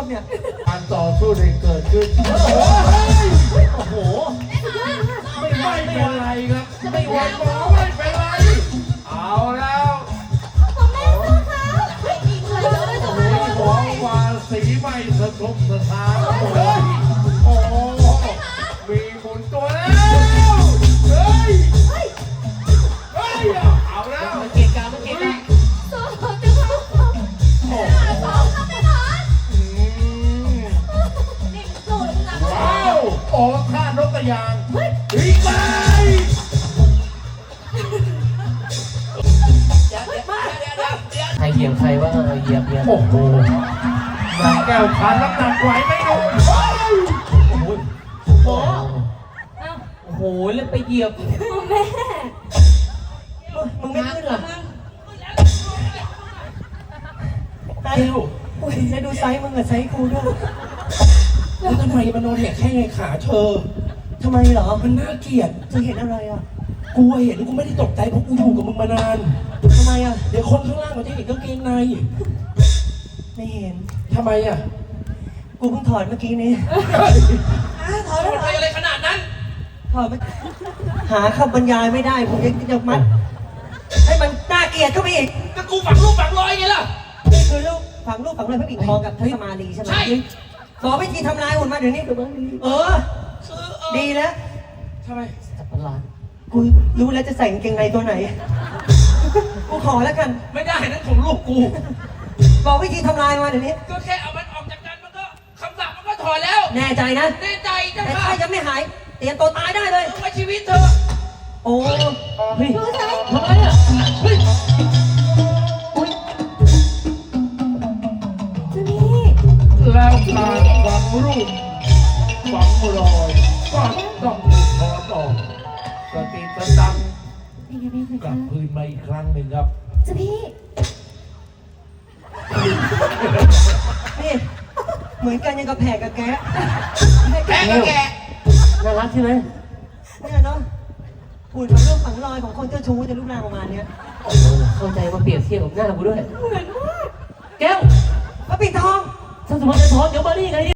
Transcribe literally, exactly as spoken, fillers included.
เนี่ยการต่อสู้ได้เกิดขึ้นโอ้โหไม่ไม่เป็นไรครับไม่ไหวหมอไม่เป็นไรเอาแล้วหมอวาสีไม่สะทกสะท้านโอ้โหมีหมุนตัวแล้วเฮ้ยเฮ้ยเอาแล้วมันเกียร์กามันเกียร์กาว้าวโอ้ท่านกกระยางดีไปใครเหยียบใครว่าเหยียบเหยียบโอ้โหนางแก้วทานน้ำหนักไหวไหมลูกโอ้โหโอ้โอ้โหแล้วไปเหยียบแม่มึงไม่ขึ้นหรอแก้วแล้วดูไซส์มึงกับไซส์กูด้วยแล้วทำไมมันโดนแหกแค่ไงขาเธอทำไมเหรอมันน่าเกลียดเธอเห็นอะไรอ่ะกูเห็นกูไม่ได้ตกใจเพราะกูอยู่กับมึงมานานทำไมอ่ะเดี๋ยวคนข้างล่างมันจะเห็นกางเกงในไม่เห็นทำไมอ่ะกูเพิ่งถอดเมื่อกี้นี้ถอดอะไรอะไรขนาดนั้นถอดหาคำบรรยายไม่ได้ผมยังจะมัดให้มันน่าเกลียดเข้าไปอีกก็กูฝังรูปฝังรอยไงล่ะนี่คือลูกฝังลูกฝังรอยพระปิ่นทองกับทัศมาลีใช่ไหมใช่ขอวิธีทำลายหุ่นมาเดี๋ยวนี้เออดีแล้วทำไมจับประหลาดกูรู้แล้วจะใส่กางเกงในตัวไหนกูขอแล้วกันไม่ได้นั่นของลูกกูบอกวิธีทำลายมาเดี๋ยวนี้ก็แค่เอามันออกจากกันมันก็คำสั่งมันก็ถอนแล้วแน่ใจนะแน่ใจจ้ะแต่ถ้ายังไม่หายเตรียมตัวตายได้เลยไว้ชีวิตเธอโอ้เฮ้ยทำไมอ่ะเฮ้ยแล้วการฝังรูปฝังรอยก็ต้องถูกถอดออกสติสตังกลับคืนมาอีกครั้งหนึ่งครับจ้าพี่นี่เหมือนกันยังกับแผลกับแกะแผลกับแกะน่ารักใช่ไหมเนี่ยเนาะหุ่นฝังรูปฝังรอยของคนเจ้าชู้จะรูปร่างประมาณนี้เข้าใจมาเปรียบเทียบกับหน้ากูด้วยเหมือนมากแก้วพระปิ่นทองถ้าสมมติจะถอนเดี๋ยวมานี่ไง